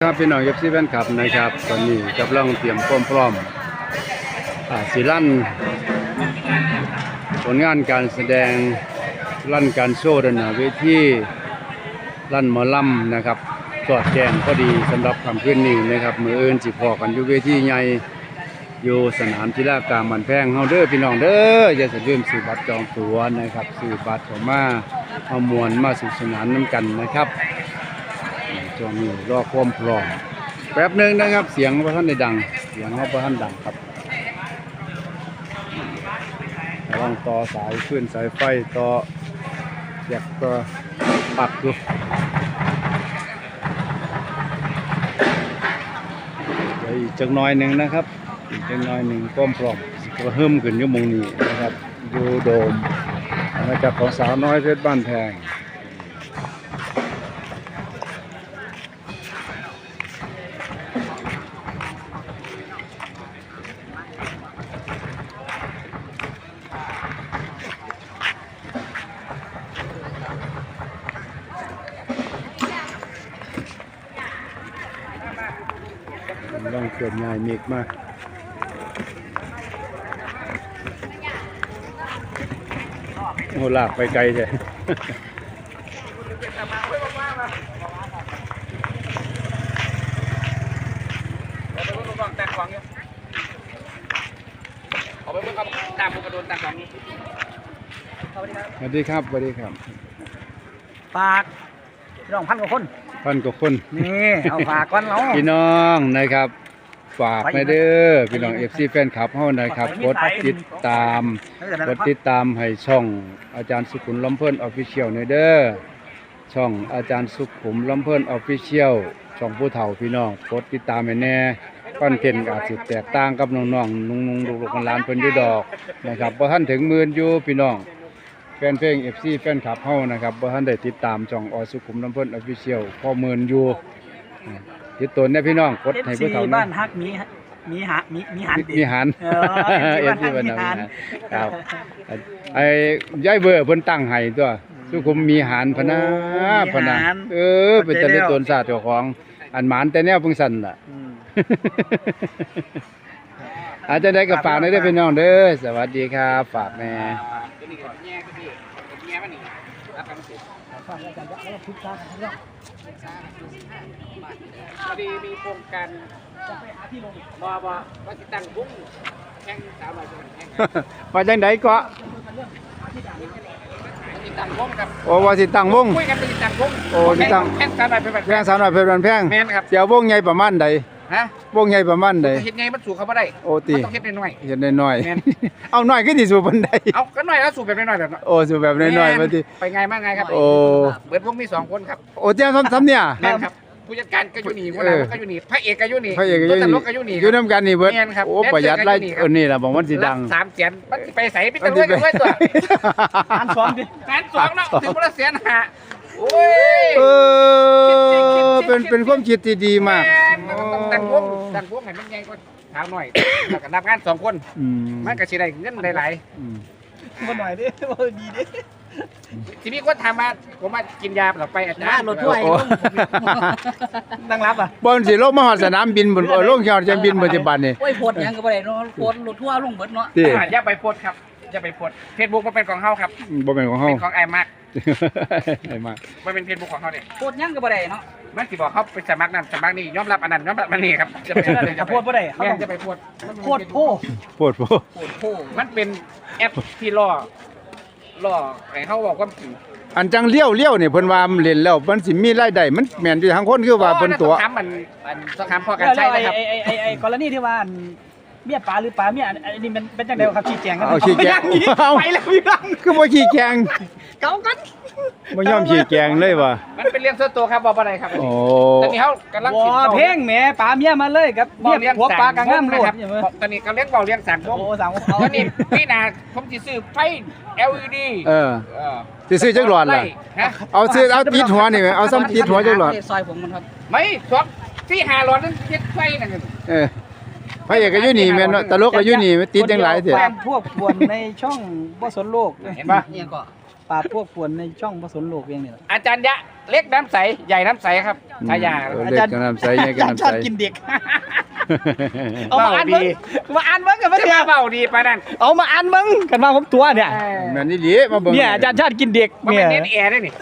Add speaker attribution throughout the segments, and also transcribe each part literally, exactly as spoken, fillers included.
Speaker 1: ครับพี่น้องเอฟซีแฟนคลับนะครับตอนนี้กำลังเตรียมความพร้อมสิลั่นผลงานการแสดงลั่นการโชว์ด้านหน้าเวทีลั่นหมอลำนะครับสอดแจงพอดีสำหรับคำขึ้นนี้นะครับมืออื่นสิพอกันอยู่เวทีใหญ่อยู่สนามกีฬากลางบ้านแพงเฮาเด้อพี่น้องเด้ออย่าสะลืมซื้อบัตรจองตั๋วนะครับซื้อบัตรเข้ามาเอามวลมาสนุกสนานน้ำกันนะครับช่วงนี้รอความพร้อมแป๊บหนึ่งนะครับเสียงพระท่านได้ดังเสียงพระท่านดังครับระวังต่อสายขึ้นสายไฟต่อเสียบก็ปักอยู่อีกจักหน่อยหนึ่งนะครับอีกจักหน่อยหนึ่งความพร้อมก็เพิ่มขึ้นอยู่มงนี้นะครับอยู่โดมมาจากของสาวน้อยเพชรบ้านแพงลองเกิดง่ายเมกมากโหลากไปไกลใช่
Speaker 2: เอาไปเพิ่งตามกระโดนตามของนี้
Speaker 1: สวัสดีครับสวัสดีครับ
Speaker 2: ฝากพี่น้องพันกว่าคน
Speaker 1: พันกว่าคน
Speaker 2: นี่เอาฝากก่อนเรา
Speaker 1: พี่น้องนะครับฝากไปเด้อพี่น้องเอฟซีแฟนคลับเฮานะครับกดติดตามกดติดตามให้ช่องอาจารย์สุขุมลำเพิ่นออฟฟิเชียลในเด้อช่องอาจารย์สุขุมลำเพิ่นออฟฟิเชียลช่องผู้เฒ่าพี่น้องกดติดตามให้แน่คอนเทนต์อาจสิแตกต่างกับน้องๆนุ่งๆลูกๆหลานเพิ่นอยู่ดอกนะครับบ่ทันถึงหมื่นอยู่พี่น้องแฟนเพลง เอฟ ซี แฟนคลับเฮานะครับบ่ทันได้ติดตามช่องอสุขุมลำเพิ่นออฟฟิเชียลพอหมื่นอยู่ติดตนเนี่ยพี่น้องกดให้ผู้เฒ่า
Speaker 2: บ้านฮักมีมีหามีมีหัน
Speaker 1: มีหันเอฟซีบ้านฮักครับไอ้ยายเบอร์เพิ่นตั้งให้ตัวสุขุมมีหันพนะพนะเออเป็นตะลิตนศาสตร์เจ้าของอันหมานแต่แนวเพิ่งสั่นล่ะอาจจะได้กับฝากได้พี่น้องเด้อสวัสดีครับฝากแม่
Speaker 2: พอดีมีโครงการจะไปหาที่ลงบ่บ่ว่าสิตั้งวงแข่งสาวหน่อยแข่ง
Speaker 1: มาจังได๋ก็
Speaker 2: สิตั้งวงครับ
Speaker 1: โอ้ว่าสิตั้งวง
Speaker 2: คุยกันสิตั้งวง
Speaker 1: โอ้สิตั้ง
Speaker 2: แข่งสาวหน่อยเป็น
Speaker 1: แพงสาวหน่อยเพชรบ้านแพง
Speaker 2: แม่นครับ
Speaker 1: เสียวงใหญ่ประมาณใด
Speaker 2: ฮะ
Speaker 1: วงใหญ่ประมาณใด
Speaker 2: เฮ็ดใหญ่มันสู่เขาบ่ได้
Speaker 1: โอ้ติ
Speaker 2: ต้องเฮ็ดน้อย
Speaker 1: ๆเฮ็ดน้อยๆเอาน้อยคือสิสู่ปานใด
Speaker 2: เอาก็น้อยแล้วสู่แบบน้อยๆแบบ
Speaker 1: โอ้สู่แบบน้อยๆมาติ
Speaker 2: ไปไงมาไงครับ
Speaker 1: โอ้
Speaker 2: เบิดวงมีสองคนครับ
Speaker 1: โอ้เจ้าซ้ำๆเนี่ย
Speaker 2: แม่นครับผู้จัดการก็อยู่นี่คนนั้นก็อยู่นี่พระเอกก็อยู่นี่
Speaker 1: พระเอกก็อยู่นี่อยู่นำกันนี่เบิดโอ้ประหยัดไล่เออนี่ล่ะบอกมันสิดัง
Speaker 2: สามแสนมันไปไสไปตะเวนกันไว้ตัวหารสองดิหารสองเนาะถึงบ่ละแสนห้าโอ้ย
Speaker 1: เออเป็นเป็นความคิดที่ดีมาก
Speaker 2: ต้องตั้งวงตั้งวงให้มันใหญ่กว่าสาวน้อยแล้วก็นับงานสองคนมันก็สิได้เงินหลายๆบ่หน่อยดิบ่ดีดิทีนี้ก็ถามมาผมมากินยาหลับไปอาจารย์รถถ้วยตั้งรับอ่ะ
Speaker 1: บนสิลงมาหอดสนามบินบนลงยอดจะบินปัจจุบันนี่
Speaker 2: โอ้ยโพดยังก็บ่ได้เนาะโพดรถทั่วลงเบิดเนาะอย่าไปโพดครับอย่าไปโพด Facebook มันเป็นของเฮาครับ
Speaker 1: บ่เป็นของเฮา
Speaker 2: เป็นของไอ้มาก
Speaker 1: ไอ้มาก
Speaker 2: มันเป็น Facebook ของเฮาเด้โพดยังก็บ่ได้เนาะมันสิบอกเขาไปสมัครนั่นสมัครนี่ยอมรับอันนั้นยอมรับอันนี้ครับจะไปจะโพดบ่ได้เขาต้องจะไปโพดโพดโพ
Speaker 1: โพดโพ
Speaker 2: โพดโพมันเป็นแอปที่ล่อล่อให้เฮาบอกความจริง
Speaker 1: อันจังเลี้ยวเลี้ยวนี่เพิ่นว่าเล่นแล้วมันสิมีรายได้มันแม่นอยู่ทางคนคือว่าเพิ่นตัว
Speaker 2: ถามมันอันต้องถามพอกันใช่นะครับไอ้ไอ้ไอ้ไอ้กรณีที่ว่าเมียป๋าหรือป๋าเมียอันนี้มันเป็นจังได๋ครับชี้แจงกัน
Speaker 1: เอาชี้แจง
Speaker 2: ไปแล้วพี่น้อง
Speaker 1: คือบ่ชี้แจง
Speaker 2: เก่ากัน
Speaker 1: บ่ยอมชี้แจงเลยว่ะ
Speaker 2: มันเป็นเรื่องส่วนตัวครับบ่บ่ได้ครับ
Speaker 1: โอ้
Speaker 2: ตอนนี้เฮากำลังคิด
Speaker 3: เพลงแหมป๋าเมียมาเลยครับเมียผัวป๋ากะงามโลด
Speaker 2: ตอนนี้กำลังเว้าเรื่องสามวง
Speaker 3: โอ้สามวง
Speaker 2: ตอนนี้พี่นาผมสิซื้อไฟ แอล อี ดี
Speaker 1: เออสิซื้อจักหลอดล่ะเอาซื้อเอาติดหัวนี่มั้ยเอาซ้ำติดหัวจักหลอด
Speaker 2: ซอยผมมันครับไม่สองสี่ห้าหลอดนึงเฮ็ดไฟนั่น
Speaker 1: เออพระเอกก็อยู่นี่แม่นตลกก็อยู่นี่ติดจังหลายเด้อ
Speaker 3: ปราบพวกป่วนในช่องบ่สนโลก
Speaker 2: เห็นป่ะ
Speaker 3: เนี่ยก็ปราบพวกป่วนในช่องบ่สนโลกเองนี่แหละ
Speaker 2: อาจารย์ยะเล็กน้ำใสใหญ่น้ำใสครับฉายา
Speaker 1: เออเล็กกับน้ำใสใหญ่กับน้ำ
Speaker 3: ชอ
Speaker 1: ใส
Speaker 3: บกินเด็กเอามาอ่านมึงมาอ่านมึงกันมา
Speaker 2: จะ
Speaker 3: เถ
Speaker 2: มา
Speaker 3: อะ
Speaker 2: เบาดีปะนั่น
Speaker 3: เอามาอ่านมึงกันมาผมตัวเนี่ย
Speaker 1: แม่นอี่ดีมาเบิ่ง
Speaker 3: เนี่ยอาจารย์ชาติกินเด็ก
Speaker 2: มัน
Speaker 3: เนี่
Speaker 2: เป็
Speaker 3: ย
Speaker 2: นเน้นแอร์ด้วยนี่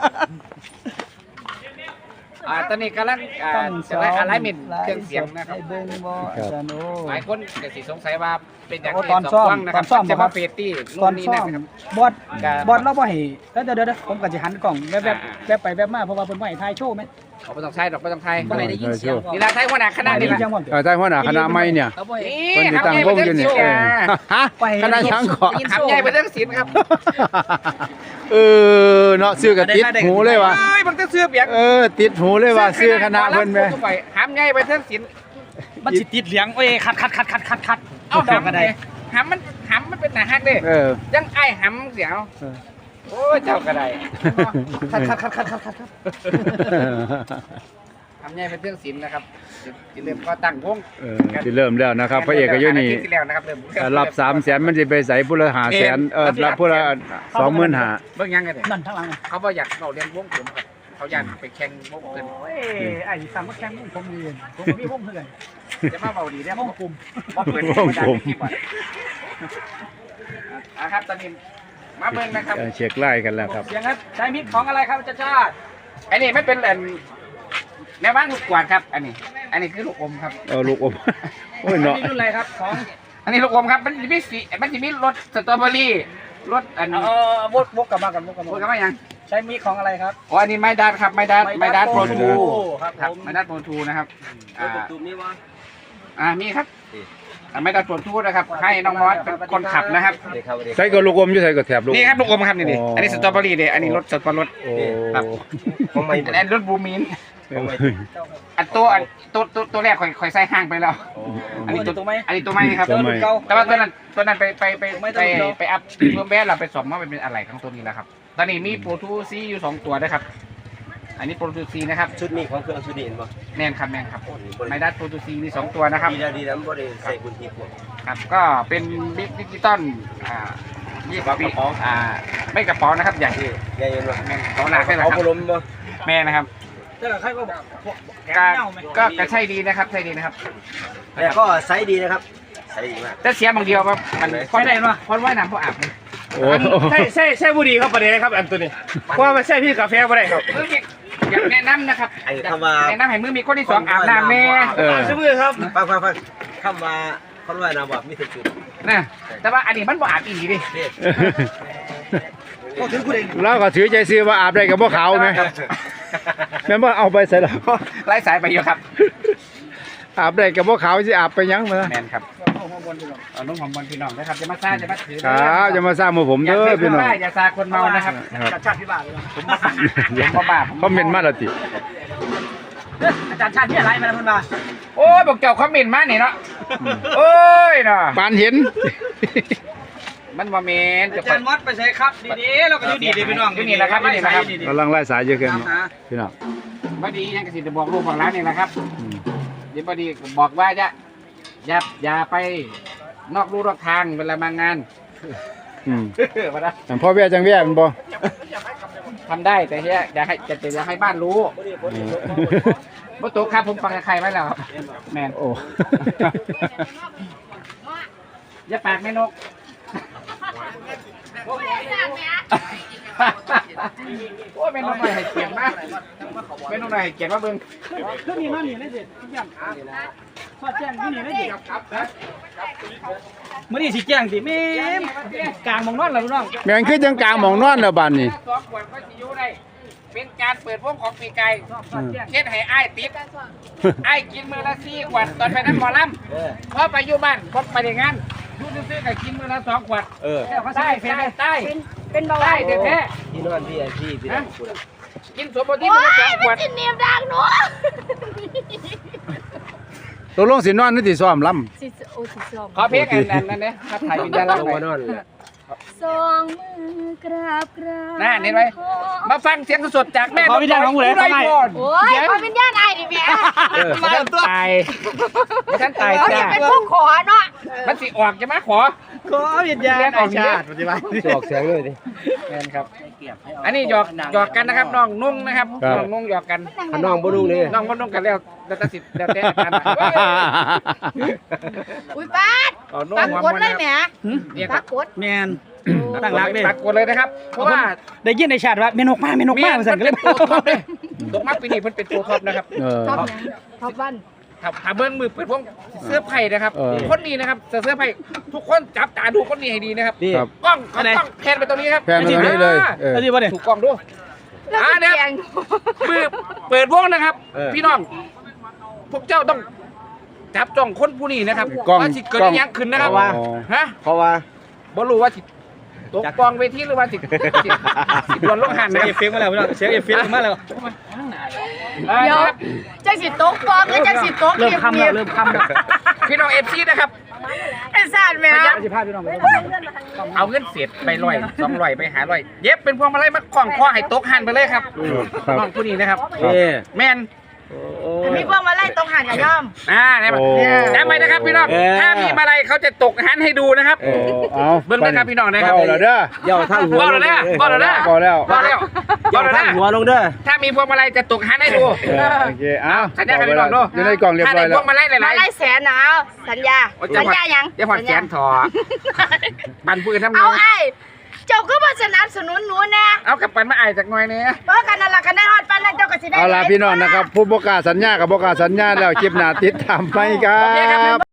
Speaker 2: อ่าตอนนี้กำลังอ่าจะไล่อะไรมินเครื่องเสียงนะครับ
Speaker 3: เบิ่งบ่อาจารย์โอ้
Speaker 2: หลายคนก็สิสงสัยว่าเป็นอย่าง
Speaker 3: โอ้
Speaker 2: ไร
Speaker 3: ตอนซ่อม
Speaker 2: สงนะครั
Speaker 3: ตอนซ่อม
Speaker 2: จะ
Speaker 3: ครั
Speaker 2: มา
Speaker 3: บ
Speaker 2: เฟตตี้
Speaker 3: ตอน
Speaker 2: นี่
Speaker 3: ซ่อ
Speaker 2: นะ
Speaker 3: ม
Speaker 2: ครับ
Speaker 3: บอด
Speaker 2: ครับ
Speaker 3: บอดเราบ่ให้แล้วเดี๋ยวเดี๋ยวผมก็สิหันกล่องแวบ
Speaker 2: อ่า
Speaker 3: ๆแวบไปแวบมาเพราะว่าเพิ่นบ่ให้ถ่ายโชว์แม่
Speaker 2: เขาไม่ต้องใช้ดอกไม่ต้องใช้
Speaker 3: บ่ให้ได้ยินเสียง
Speaker 2: นี่ละใช้หัวหน้าคณะนี่ละ
Speaker 3: จังหวะ
Speaker 1: เออใช่หัวหน้าคณะใหม่เนี่ย
Speaker 3: เขาบ่ให้
Speaker 2: นี่
Speaker 1: เพิ่นสิ
Speaker 2: ทำ
Speaker 1: ตั้ง
Speaker 2: ใหญ่
Speaker 1: ว
Speaker 2: ไป
Speaker 1: งอ
Speaker 2: เรื่
Speaker 1: ยู่
Speaker 2: อง
Speaker 1: นี่
Speaker 2: ศิลป์
Speaker 1: เออ
Speaker 2: นะ
Speaker 1: ฮะคณะช้างเกาะ
Speaker 2: ทำใหญ่ไปเรื่องศิลป์ครับ
Speaker 1: เออเนาะซื้อกับติดหูเลยว่ะ
Speaker 2: เอ้ยมันจะเสื้อเปียก
Speaker 1: เออติดหูเลยว่ะซื้อคณะเพิ่นแม่
Speaker 2: ทำใหญ่ไปเรื่องศิลป์
Speaker 3: มันสิติดเหลียงโอ้ยคัดคัดคัดคัดคัดคัด
Speaker 2: เอา
Speaker 3: ดอก
Speaker 2: หำ
Speaker 3: ก็
Speaker 2: เล
Speaker 3: ได้
Speaker 2: ยหำมันหำมันเป็นหนาฮักเด้
Speaker 1: เออ
Speaker 2: ยังไอ้หำเสียว
Speaker 1: เออ
Speaker 2: โอ้ยเจ้าก็ได้
Speaker 3: คัดคัดคัดคัดคัดคัดคัด
Speaker 2: ทำใหญ่เป็นเรื่องศิลป์นะครับจะเริ่มก็ตั้งวง
Speaker 1: เออสิเริ่มแล้วนะครับพระเอกก็อยู่นี่
Speaker 2: ที่แล้วนะครับเริ่ม
Speaker 1: ถ้ารับสามแสนมันสิไปใส่ผู้ละห้าแสนเออรับผู้ละสองหมื่นห้า
Speaker 2: เบิ่งยังไงเนี่ย
Speaker 3: นั่นทั้งหลัง
Speaker 2: เขาบอกอยากเราเรียนวงผมครับเขาอยากไปแข่งวงเกิน
Speaker 3: โอ้ยไอ้สามมาแข่งมุ้งผมเรียนผมมีมุ้งเพื่อน
Speaker 2: จะมาเบาดีได้
Speaker 3: มุ้งกลุ่ม
Speaker 2: บอกเปิดอ่ะครับตอนนี้มาเบิ่งนะครับ
Speaker 1: เออเช็คไล่กันแล้วครับ
Speaker 3: เสียงครับใช้มิกของอะไรครับอาจารย์ชาติ
Speaker 2: อันนี้ไม่เป็นแหล่งแนวบ้านลูกกวาดครับ อันนี้ อันนี้คือลูกอมครับ
Speaker 1: เออลูกอมโอ้ยเนาะ
Speaker 3: นี่รุ่นอะไรครับของ
Speaker 2: อันนี้ลูกอมครับมันจะมีสีมันจะมีรสสตรอเบอรี่รสอัน
Speaker 3: เออวกวกกลับมากันวกกลับ
Speaker 2: พูด
Speaker 3: มา
Speaker 2: กันว่ายัง
Speaker 3: ใช้มิกของอะไรครับ
Speaker 2: อ๋ออันนี้ไม้ดัดครับไม้ดัดไม้ดัดโปรทู
Speaker 3: ครับ
Speaker 2: ครับ
Speaker 3: ผม
Speaker 2: ไม้ดัดโปรทูนะครับอ่า
Speaker 3: ตูมนี่วะ
Speaker 2: อ่ามีครับอ่าไม้ดัดโปรทูนะครับให้น้องมอสเป็นคนขับนะครับ
Speaker 1: ใส่ก็ลูกอมอยู่ใส่ก็แถบลูก
Speaker 2: นี่ครับลูกอมครับนี่นี่
Speaker 1: อ๋ออั
Speaker 2: อันนี้สตรอเบอรี่เด้อันนี้รสสตรอเบอรี่
Speaker 1: โอ้
Speaker 2: ครับอันนี้รสบลูมินอันตัวอันตัวตัวตัวแรกข่อยข่อยใส่ห้างไปแล้ว อันนี้ตัว
Speaker 3: ตัวไหม
Speaker 2: อันนี้ตัวใหม่ครับ
Speaker 1: ตัวใหม่
Speaker 2: แต่ว่าตัวนั้นตัวนั้นไปไปไป
Speaker 3: ไม่
Speaker 2: ไป
Speaker 3: ต้อง
Speaker 2: ไปอัพเพิ่มแบสเราไปสอบว่ามันเป็นอะไรของตัวนี้แล้วครับ ตอนนี้มีโปรทูซีอยู่สองตัวนะครับ อันนี้โปรทูซีนะครับ
Speaker 4: ชุดนี้ของเครื่องชุดนี้เห็นป่ะ
Speaker 2: แมนครับแมนครับไมดัสโปรทูซีมีสองตัวนะครับ
Speaker 4: ดีแล้วดีแล้วไม่ได้ใส่บุญทีพวก
Speaker 2: ครับ ก็เป็นบิ๊กดิจิตอลอ่ายี่สิบปีอ่าไม่กระป๋องนะครับใหญ่
Speaker 4: นี่ใหญ่ยังไง
Speaker 2: แมนเขาหนักแค่ไหน
Speaker 4: เอา
Speaker 2: ครั
Speaker 4: พัด
Speaker 2: บ
Speaker 4: ลมป่ะ
Speaker 2: แม่นะครับ
Speaker 3: แต่ใครก็บอกพวกแก
Speaker 2: ก็
Speaker 3: เน่าไหม
Speaker 2: ก็ก็ใช่ดีนะครับใช่ดีนะครับ
Speaker 4: แต่ก็ไซส์ดีนะครับไซส์ดีมาก
Speaker 2: แต่เสียบางเดียวครับมันคนได้เนาะคนว่ายน้ำเพราะอาบเลย
Speaker 1: โอ้
Speaker 5: ใช่ใช่ใช่บุรีครับประเด็นนะครับอันตัวนี้เพราะว่าไม่ใช่พี่กาแฟไม่ได้ครับ
Speaker 2: มือมีอยากแนะนำนะครับ
Speaker 4: ไอ้คำว่า
Speaker 2: แนะนำให้มือมีคนที่สองอาบน้ำแม่
Speaker 1: เออ
Speaker 5: ชื่อมือครับ
Speaker 4: ฟังฟังฟังคำว่าคนว่ายน้ำแบบมีถึงจุด
Speaker 2: นะแต่ว่าอันนี้มันบ่อาบอีหลีดิ
Speaker 4: นี่
Speaker 3: ก็ถึงคุณเอง
Speaker 1: แล้วก็ถือใจซื้อว่าอาบได้กับพวกเขาไหมแม่นบ่เอาไปใส่แล้ว
Speaker 2: ไล่สายไปอยู่ครับ
Speaker 1: อาบได้กับพวกเขาสิอาบไปยังมา
Speaker 2: แมนครับเอาน้องหอมบอลพี่น้องนะครับจะมาซ่าจะมาถือ
Speaker 1: ครับจะมาสร้างมือผม
Speaker 2: อย่า
Speaker 1: เด้อ
Speaker 2: ถือ
Speaker 1: พี่น้อง
Speaker 2: บ้าอย่าซาคนเมานะครับ
Speaker 1: ครับ
Speaker 3: อาจารย์ชาติพิบาลเลย
Speaker 2: ผมบ่บ้าผมบ่บ้าผม
Speaker 1: คอมเมนต์มาและติ
Speaker 3: อาจารย์ชาติที่อะไรมาแล้วมันมา
Speaker 2: โอ้ยบอกเจ้าคอมเมนต์มานี่เนาะโอ้ยเนาะ
Speaker 1: ปานเห็น
Speaker 2: มันบ่แม่น
Speaker 3: อาจารย์มอสไปใช้ครับดีๆเราก็อยู่ดีๆพี่น้อง
Speaker 2: อยู่นี่แหละครับอยู่นี่แหละครับ
Speaker 1: กำลังไล่สายเยอะเกินพี่น้อง
Speaker 2: บ่ดียังกสิจะบอกลูกของร้านนี่แหละครับ
Speaker 1: อืม
Speaker 2: เดี๋ยวบ่ดีบอกว่าจะอย่าอย่าไปนอกลู่นอกทางเวลามางาน
Speaker 1: อืม
Speaker 2: มาละ
Speaker 1: อันพ่อแว่จังแว่มันบ่
Speaker 2: ทำได้แต่เฮียอย่าให้จะอย่าให้บ้านรู้
Speaker 1: เออ
Speaker 2: บ่ตกครับผมฟังใครไว้แล้วครับแมน
Speaker 1: โอ้
Speaker 2: อย่าปากแม่นกโอ้ยแม่นกหน่อยให้เกียรติมากแม่นกหน่อยให้เกียรติมาเบิ่ง
Speaker 3: คือมีมันนี่ได้เด็ดทุกอย่างทอดแจ้งที่นี่ได้เด็ด
Speaker 2: ครับนะ
Speaker 3: มื่อนี้สิแจ้งสิแม่มกลางมองนอนแล้วพี่น้อง
Speaker 1: แม่งคือจังกลางหมองนอนแล้วบัดนี้
Speaker 2: สองขวดก็สิอยู่ได้เป็นการเปิดวงของปีไก่
Speaker 3: ทอดแจ้ง
Speaker 2: เฮ็ดให้อ้ายติดอ้ายกินมื้อละสี่ขวดตอนไปนั่งหมอลำพอไปอยู่บ้านพอไปในงานอยู่ซื่อๆก็กินมื้อละสองขวด
Speaker 4: เออ
Speaker 2: ใต้ใต้ใต้
Speaker 6: เป็นเป็นเบาห
Speaker 2: ใต้
Speaker 6: วาน
Speaker 2: แท้
Speaker 4: ที่นอนพี่ไอพี่พี่น้องคุณ
Speaker 2: ๆกินสมบูรณ์ที่
Speaker 6: โอ้
Speaker 2: มื้อละส
Speaker 6: ย
Speaker 2: องข
Speaker 6: มั
Speaker 2: วน ด
Speaker 6: จะเนียบดังหนู
Speaker 1: ตกลงสินอนหรือสิซ้อมลำ
Speaker 6: สิโอ้สิสอง
Speaker 2: ขอเพลงอันนั้นนั่นเนี่ยถ้าถ่ายวิญญาณ
Speaker 4: ล
Speaker 2: รัก
Speaker 4: ง
Speaker 2: หน่
Speaker 4: มา
Speaker 2: อย
Speaker 4: นอนเลย
Speaker 6: สองมือกราบกราบ
Speaker 2: น่าเห็นไหม มาฟังเสียงสดๆจากแม่
Speaker 3: ขอวิญญาณของผู้ใด
Speaker 2: ผู้ใด
Speaker 3: ทำไม
Speaker 2: ก่อน
Speaker 6: โอ้ยพอเป็นญาติไอ้ดิแม่
Speaker 2: มาท่านตายมาท่านตาย
Speaker 6: เขา
Speaker 2: จ้า
Speaker 6: จะเป็นพวกขอเนาะ
Speaker 2: มันสิออกจะมาขอ
Speaker 3: ขอวิญญาณไอ้ชาติปฏิบัติ
Speaker 5: จะออกเสียงเลยดิ
Speaker 2: แม่นครับ อันนี้หยอกหยอกกันนะครับน้องนุ่งนะครับน้องนุ่งหยอกกัน
Speaker 5: ขน้องบ่นุ่งนี่
Speaker 2: น้องบ่นุ่งกันแล้วแล้วแต่สิแล้วแต่อาจารย์
Speaker 6: อุ้ยป้าด
Speaker 2: อ๋อนุ่ง
Speaker 6: ปัก
Speaker 2: หัว
Speaker 6: กด
Speaker 2: มัน
Speaker 6: เล
Speaker 2: นะ
Speaker 6: ย
Speaker 2: ค
Speaker 6: แหม
Speaker 2: รับเนี่ยค
Speaker 6: ปั
Speaker 2: รับ
Speaker 6: กกด
Speaker 3: แมนตั้งรักเลย
Speaker 2: ปักกดเลยนะครับ เพราะว่า
Speaker 3: ได้ยินในชาติว่าเมนกมาเมนกมาสั่นก็เลย
Speaker 2: ตัวท็อปเลยตกมาปีนี้เพิ่นเป็นตัวท็อปนะครับ
Speaker 1: เออ
Speaker 6: ท็อปยังท็อปวัน
Speaker 2: ถ้าถ้าเบิ้งมือเปิดพวกเสื้อไผ่นะครับ
Speaker 1: เออ
Speaker 2: คนนี้นะครับเสื้อไผ่ทุกคนจับตาดูคนนี้ให้ดีนะครับ
Speaker 5: นี่
Speaker 1: ครับ
Speaker 2: กล้องกล้องแพนไปตรงนี้ครับ
Speaker 1: แพนมาตรงนี้เลยเออ
Speaker 3: แล้วที่ว่าเนี่ย
Speaker 2: ถูกกล้องดู
Speaker 6: แล้ว
Speaker 2: อ่า
Speaker 6: ก็
Speaker 2: เนี่ย
Speaker 6: แกง
Speaker 2: มือเปิดวงนะครับ
Speaker 5: เออ
Speaker 2: พี่น้อง พวกเจ้าต้องจับจ้องคนผู้นี้นะครับ
Speaker 1: กล้อง
Speaker 2: ว่าสิเกิด
Speaker 1: กล้อง
Speaker 2: อิหยังขึ้นนะครับ
Speaker 1: อ๋อ
Speaker 2: ฮะ
Speaker 5: เพราะว่า
Speaker 2: บ่รู้ว่าสิตกกองเวทีหรือว่าสิสิสิโดนลงหัน
Speaker 3: เสีย
Speaker 2: นะ
Speaker 3: งเอฟเฟกต์มาแล้วพี่น้องเสียงเอฟเฟกต์มาแล้ว
Speaker 2: อ่า
Speaker 6: เดี๋ยว
Speaker 2: นะครับ
Speaker 6: จังสิโต๊ะฟองแล้วจังสิโต๊ะ
Speaker 3: เริ่มคำแล้วเริ่มคำแล้ว
Speaker 2: พี่น้องเอฟซีนะครับ
Speaker 6: ไอ้สารแม
Speaker 2: พ
Speaker 6: วย
Speaker 2: ายาม
Speaker 3: สิพาพี่น้องไป
Speaker 2: เอาเงินเศษไปร้อยสองร้อยไปหาร้อยเย็บเป็นพวงมาลัยมาคล้องคอให้ตกหันไปเลยครับ
Speaker 1: ครับ
Speaker 2: น้องผู้นี้นะครับ
Speaker 5: นี่
Speaker 2: แม่น
Speaker 6: มีพวกมาไล่ตรงหันกับย่อม
Speaker 2: อ่าได้ไหม
Speaker 1: โอ้
Speaker 2: ได้ไหมนะครับพี่น้อง
Speaker 5: เออ
Speaker 2: ถ้ามีมาลัยเขาจะตกหันให้ดูนะครับ
Speaker 1: โอ้เอา
Speaker 2: เบิ่งนะครับพี่น้องนะครับ
Speaker 1: เอาแล้วเด้อ
Speaker 5: ย่อทั้งหัว
Speaker 2: บอกแล้วนะบอกแล้วนะ
Speaker 1: ก็แล้ว
Speaker 2: บอกแล้วบ
Speaker 5: ย่
Speaker 2: อ
Speaker 5: อก
Speaker 2: แล้ว
Speaker 5: ทั้ง
Speaker 2: นะ
Speaker 5: หัวลงเด้อ
Speaker 2: ถ้ามีพวงมาลัยจะตกหันให้ดู
Speaker 1: เออโอเคเอา
Speaker 2: สัญญากันพี่น้องเนอะ
Speaker 1: อยู่ในกล่องเรียบ
Speaker 2: ถ้า
Speaker 1: ร้
Speaker 2: ได้
Speaker 1: อย
Speaker 2: พ
Speaker 1: แล้ว ว
Speaker 2: งมาลัยห
Speaker 6: มา
Speaker 2: ลาย
Speaker 6: ไล่แสนหนาวสัญญา
Speaker 2: ๆโอ้จะ
Speaker 6: สัญ
Speaker 2: ผ่อน
Speaker 6: ญายัง
Speaker 2: จะผ่อนแสนถอปันปืนทำไง
Speaker 6: เอาไอ้เจ้าก็มาสนับสนุนหนูแน่
Speaker 2: เอากับปันมาอายจากหน่อยเนี่ย
Speaker 6: เพราะกันนั่นล่ะกันได้ฮอดปันแล้วเจ้าก็สิได้
Speaker 1: เอาล่ะพี่น้องนะครับ ผู้ประกล้าศสัญญากับประกล้าศสัญญาแล้วคลิปหน้าติดตามไปครั
Speaker 2: โอเคครับ
Speaker 1: บ